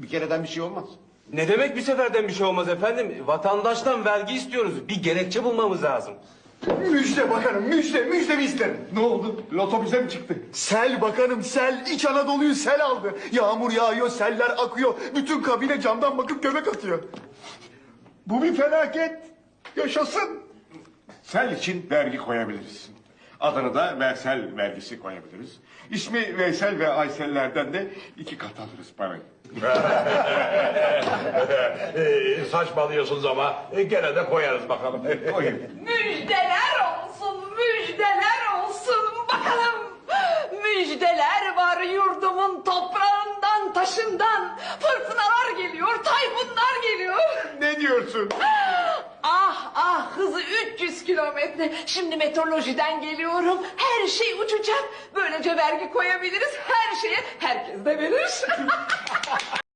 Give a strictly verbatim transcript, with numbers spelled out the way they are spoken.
Bir kereden bir şey olmaz. Ne demek bir seferden bir şey olmaz efendim? Vatandaştan vergi istiyoruz. Bir gerekçe bulmamız lazım. Müjde bakanım, müjde, müjdemi isterim. Ne oldu? Loto bize mi çıktı? Sel bakanım, sel. İç Anadolu'yu sel aldı. Yağmur yağıyor, seller akıyor. Bütün kabine camdan bakıp göbek atıyor. Bu bir felaket. Yaşasın. Sel için vergi koyabiliriz. Adını da Veysel vergisi koyabiliriz. İsmi Veysel ve Aysellerden de iki kat alırız parayı. Ee, saçmalıyorsunuz ama e, gene de koyarız bakalım. Koyun. Müjdeler olsun, müjdeler olsun bakalım. Müjdeler var yurdumun toprağından, taşından. Fırtınalar geliyor, tayfunlar geliyor. Ne diyorsun? Ah ah, hızı üç yüz kilometre. Şimdi meteorolojiden geliyorum. Her şey uçacak. Böylece vergi koyabiliriz. Her şeye herkes de verir.